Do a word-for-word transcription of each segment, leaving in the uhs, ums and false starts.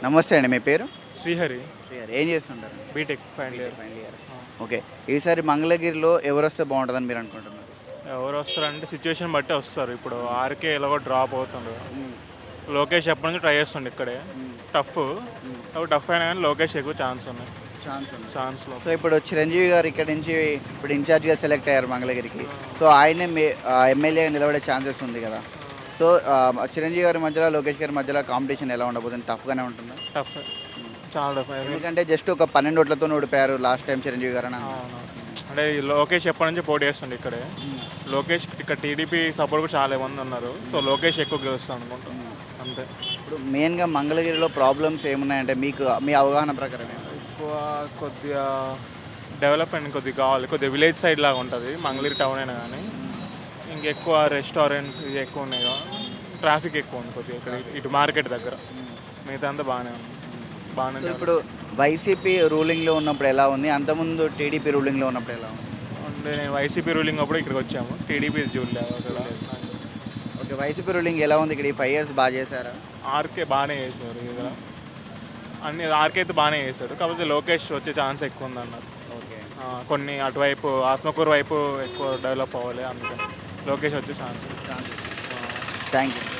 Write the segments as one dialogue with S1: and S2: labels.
S1: నమస్తే అండి. మీ పేరు?
S2: శ్రీహరి.
S1: శ్రీహరి. ఏం చేస్తుంటారు?
S2: BTech final
S1: BTech
S2: year.
S1: Final year.
S2: ఆ!
S1: ఓకే. ఈసారి మంగళగిరిలో ఎవరొస్తే బావుంటదని మీరనుకుంటున్నారు?
S2: ఎవరొస్తారంటే సిచ్యుయేషన్ బట్టి వస్తారు. ఇప్పుడు
S1: హ్మ్.
S2: ఆర్‌కే ఎలాగో డ్రాప్ అవుతుండు.
S1: హ్మ్.
S2: లోకేష్ ఎప్పటి నుంచో ట్రై చేస్తుండు ఇక్కడే.
S1: హ్మ్.
S2: టఫ్.
S1: హ్మ్.
S2: కాబట్టి టఫ్ అయినా గానీ లోకేష్ ఎక్కువ ఛాన్స్ ఉన్నాయి.
S1: ఛాన్స్ ఉంది.
S2: ఛాన్స్‌లో.
S1: సో, ఇప్పుడు చిరంజీవి గారు ఇక్కడి నుంచి ఇప్పుడు ఇన్‌చార్జ్‌గా సెలెక్ట్ అయ్యారు మంగళగిరికి.
S2: ఆ!
S1: సో, ఆయనే మే ఆహ్, ఎమ్మెల్యేగా నిలబడే ఛాన్సెస్ ఉంది గదా!
S2: ఆ!
S1: సో, ఆహ్, చిరంజీవి గారి మధ్యలో, లోకేష్ గారి మధ్యలో కాంపిటీషన్ ఎలా ఉండబోతుంది? టఫ్‌గానే ఉంటుందా?
S2: టఫ్.
S1: హ్మ్.
S2: చాలా టఫ్. అది
S1: ఎందుకంటే జస్ట్ ఒక పన్నెండు ఓట్లతోని ఓడిపోయారు లాస్ట్ టైమ్ చిరంజీవి గారని అన్నారు.
S2: అవును.
S1: హ్మ్.
S2: అంటే ఈ లోకేష్ ఎప్పటి నుంచో పోటీ చేస్తుండు ఇక్కడే.
S1: హ్మ్.
S2: లోకేష్ ఇక్కడ టీడీపీ సపోర్ట్ కూడా చాలా మంది ఉన్నారు. సో,
S1: హ్మ్.
S2: లోకేష్ ఎక్కువ గెలుస్తాడు అనుకుంటా.
S1: హ్మ్.
S2: అంతే.
S1: ఇప్పుడు మెయిన్‌గా మంగళగిరిలో ప్రాబ్లమ్స్ ఏమున్నాయంటే మీకు మీ అవగాహన ప్రకారం ఏంటి?
S2: ఎక్కువ కొద్దిగా డెవలప్‌మెంట్ కొద్దిగా కావాలి. కొద్దిగా విలేజ్ సైడ్ లాగా ఉంటది. మంగళగిరి టౌన్ అయినా గానీ.
S1: హ్మ్.
S2: ఇంకెక్కువ రెస్టారెంట్ ఇవి ఎక్కువ ఉన్నాయి కదా.
S1: హ్మ్.
S2: ట్రాఫిక్ ఎక్కువ ఉంది కొద్దిగా ఇక్కడ ఇటు మార్కెట్ దగ్గర.
S1: హ్మ్.
S2: మిగతా అంతా బాగానే ఉంది.
S1: హ్మ్.
S2: బాగానే
S1: సో, ఇప్పుడు
S2: డెవలప్.
S1: వైసీపీ రూలింగ్‌లో ఉన్నప్పుడు ఎలా ఉంది? అంతకుముందు టీడీపీ రూలింగ్‌లో ఉన్నప్పుడు ఎలా ఉంది?
S2: అంటే నేను వైసీపీ రూలింగ్ అప్పుడు ఇక్కడికి వచ్చాము. టీడీపీ చూడలేదు అక్కడ.
S1: చూడలేదు. ఓకే. వైసీపీ రూలింగ్ ఎలా ఉంది? ఇక్కడ ఈ ఐదు ఇయర్స్ బా చేశారా?
S2: ఆర్కే బాగానే చేశారు ఇక్కడ.
S1: హ్మ్.
S2: అన్ని ఆర్కే అయితే బాగానే చేశాడు. కాకపోతే లోకేష్ వచ్చే ఛాన్స్ ఎక్కువ ఉందన్నారు.
S1: ఓకే.
S2: ఆ, కొన్ని అటువైపు ఆత్మకూరు వైపు ఎక్కువ డెవలప్ అవ్వాలి అందుకని లోకేష్ వచ్చే ఛాన్స్.
S1: ఛాన్సెస్. Thank you.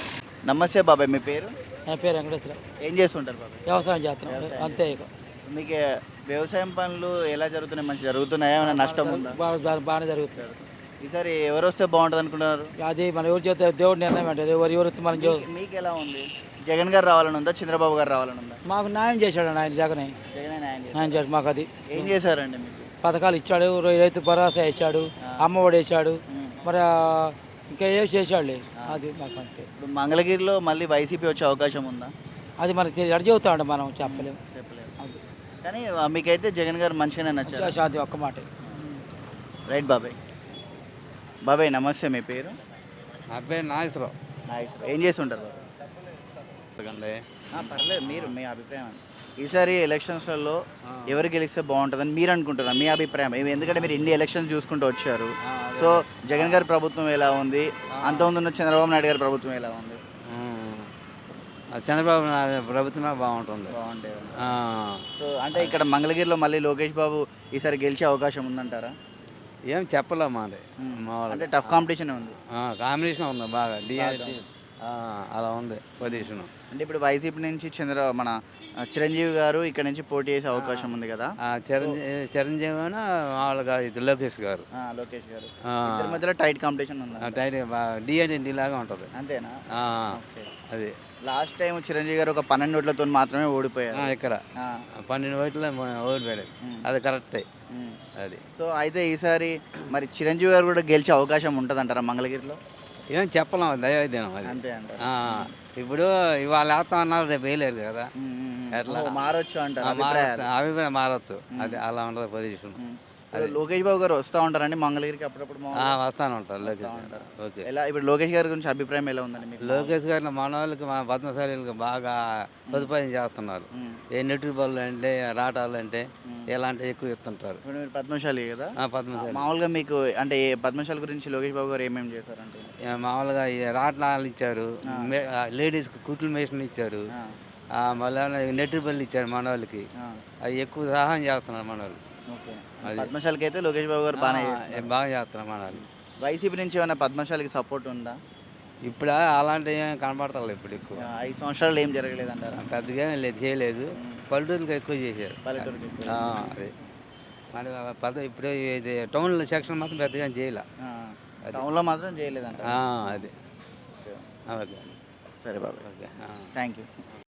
S1: నమస్తే బాబాయ్. మీ పేరు?
S3: నా పేరు వెంకటేశ్వరరావు.
S1: ఏం చేస్తుంటారు బాబాయ్?
S3: వ్యవసాయం చేస్తున్నాం
S1: వ్యవసాయం
S3: అంతే ఇక.
S1: మీకు వ్యవసాయం పనులు ఎలా జరుగుతున్నాయి? మంచిగా జరుగుతున్నాయా? ఏమైనా నష్టం ఉందా?
S3: బాగా జరు- బాగానే జరుగుతుంది.
S1: ఈసారి ఎవరొస్తే బావుంటది అనుకుంటున్నారు?
S3: అది మన ఎవరు చేస్తే దేవుడు నిర్ణయం అంటే ఎవరు ఎవరు మనం చే-
S1: మీకు మీకు ఎలా ఉంది? జగన్ గారు రావాలని ఉందా? చంద్రబాబు గారు రావాలని ఉందా?
S3: మాకు న్యాయం చేశాడు ఆయన జగన్.
S1: జగనే న్యాయం చేశారు.
S3: న్యాయం చేశాడు మాకు. అది
S1: ఏం చేశారండి మీకు?
S3: పథకాలు ఇచ్చాడు, రైతు భరోసా ఇచ్చాడు,
S1: ఆ.
S3: అమ్మఒడి వేసాడు,
S1: ఉమ్.
S3: మరి ఆ, ఇంకా ఏం చేశాడులే. అది మాకు అంతే.
S1: ఇప్పుడు మంగళగిరిలో మళ్ళీ వైసీపీ వచ్చే అవకాశం ఉందా?
S3: అది మనకి తెలియదు. అడి చెబుతాడు మనం చెప్పలేము.
S1: చెప్పలేదు.
S3: అది
S1: కానీ ఆ, మీకైతే జగన్ గారు మంచిగానే నచ్చారు.
S3: అది ఒక్క మాట.
S1: రైట్ బాబాయ్. బాబాయ్ నమస్తే. మీ పేరు?
S4: నా పేరు నాగేశ్వరరావు.
S1: నాగేశ్వరరావు. ఏం చేస్తుంటారు బాబాయ్?
S4: అండి
S1: ఆ, పర్లేదు, మీరు మీ అభిప్రాయం అండి. ఈసారి ఎలక్షన్స్లలో ఎవరు గెలిస్తే బాగుంటుందని మీరు అనుకుంటున్నారు? మీ అభిప్రాయం ఏమి? ఎందుకంటే మీరు ఇన్ని ఎలక్షన్స్ చూసుకుంటూ వచ్చారు. సో జగన్ గారి ప్రభుత్వం ఎలా ఉంది? అంతకుముందు ఉన్న చంద్రబాబు నాయుడు గారి ప్రభుత్వం ఎలా ఉంది?
S4: చంద్రబాబు నాయుడు ప్రభుత్వమే బాగుంటుంది.
S1: బాగుండేది.
S4: ఆ,
S1: సో అంటే ఇక్కడ మంగళగిరిలో మళ్ళీ లోకేష్ బాబు ఈసారి గెలిచే అవకాశం ఉందంటారా?
S4: ఏం చెప్పలేము అది మా
S1: అంటే
S4: వాళ్ళకి.
S1: టఫ్ కాంపిటీషన్ ఉంది.
S4: కాంబినేషన్ ఉంది బాగా డిఆర్డి అలా ఉంది పొజిషన్.
S1: అంటే ఇప్పుడు వైసీపీ నుంచి చంద్ర మన ఆ, చిరంజీవి గారు ఇక్కడ నుంచి పోటీ చేసే అవకాశం ఉంది కదా?
S4: చిరంజీవి చిరంజీవి మామూలుగా ఇది లోకేష్ గారు.
S1: ఆ, లోకేష్ గారు.
S4: ఆ,
S1: ఇద్దరి మధ్యలో టైట్ కాంపిటీషన్ ఉంది.
S4: టైట్ డిఆర్డి లాగా ఉంటుంది.
S1: అంతేనా?
S4: ఆ,
S1: ఓకే.
S4: అది
S1: లాస్ట్ టైం చిరంజీవి గారు ఒక పన్నెండు ఓట్లతో మాత్రమే ఓడిపోయారు.
S4: ఆ, ఇక్కడ
S1: ఆ,
S4: పన్నెండు ఓట్ల ఓడిపోయాడు.
S1: ఉమ్,
S4: అది కరెక్టే.
S1: ఉమ్.
S4: అది
S1: సో అయితే ఈసారి మరి చిరంజీవి గారు కూడా గెలిచే అవకాశం ఉంటుంది అంటారా మంగళగిరిలో?
S4: ఏం చెప్పలేము దైవదినం అది.
S1: అంతే అంటారు.
S4: ఆ, ఇప్పుడు ఇవాళ వేస్తాం అన్నారు రేపు వేయలేరు కదా.
S1: ఉమ్, ఉమ్, ఉమ్.
S4: ఎట్లా?
S1: ఓ, మారొచ్చు అంటారు
S4: ఆ,
S1: అభిప్రాయాలు.
S4: మారచ్చు అభిప్రాయం మారచ్చు. అది అలా ఉండదు పొజిషన్.
S1: ఉమ్. ఇప్పుడు లోకేష్ బాబు గారు వస్తూ ఉంటారండి మంగళగిరికి అప్పుడప్పుడు
S4: ఆ,
S1: మామూలుగా?
S4: వస్తాను ఉంటారు లోకేష్
S1: వస్తా
S4: గారు.
S1: ఉంటారు.
S4: ఓకే.
S1: ఎలా ఇప్పుడు లోకేష్ గారి గురించి అభిప్రాయం ఎలా ఉందండి మీకు?
S4: లోకేష్ గారిని మన వాళ్ళకి మన పద్మశాలీలకు బాగా సదుపాయం చేస్తున్నారు.
S1: ఉమ్.
S4: ఏ నెట్టు బళ్ళు అంటే రాటాలు అంటే
S1: ఉమ్.
S4: ఇలాంటివి ఎక్కువ ఇస్తుంటారు.
S1: ఇప్పుడు మీరు పద్మశాలి కదా?
S4: ఆ, పద్మశాలి
S1: మామూలుగా మీకు అంటే ఏ పద్మశాలి గురించి లోకేష్ బాబు గారు ఏమేమి చేశారంటే?
S4: ఆ, మామూలుగా ఈ రాటాలు ఇచ్చారు, లేడీస్కి కుట్లు మేషన్ ఇచ్చారు,
S1: ఆ,
S4: ఆ, మళ్ళీ నెట్టు బళ్ళు ఇచ్చారు మన వాళ్ళకి.
S1: ఆ,
S4: అవి ఎక్కువ సహాయం చేస్తున్నారు మన వాళ్ళు.
S1: ఓకే.
S4: అది.
S1: పద్మశాలికి అయితే లోకేష్ బాబు గారు బాగానే
S4: ఆ,
S1: చేస్తున్నారు.
S4: బాగా చేస్తున్నారు మన వాళ్ళు.
S1: వైసీపీ నుంచి ఏమైనా పద్మశాలికి సపోర్ట్ ఉందా?
S4: ఇప్పుడు అలాంటివి ఏం కనపడతారు ఇప్పుడు ఎక్కువ.
S1: ఆ, ఐదు సంవత్సరాలు ఏం జరగలేదంటారా?
S4: పెద్దగా ఏం లేదు, చేయలేదు. పల్లెటూరుకి ఎక్కువ చేశారు.
S1: పల్లెటూరుకి ఎక్కువ.
S4: ఆ, అదే మరి పెద్ద ఇప్పుడు ఇది టౌన్లో సెక్షన్ మాత్రం పెద్దగా ఏం చేయలే.
S1: ఆ,
S4: అది.
S1: టౌన్లో మాత్రం చేయలేదంట.
S4: ఆ, అది
S1: ఓకే.
S4: ఓకే
S1: సరే బాబాయ్.
S4: ఓకే.
S1: Thank you.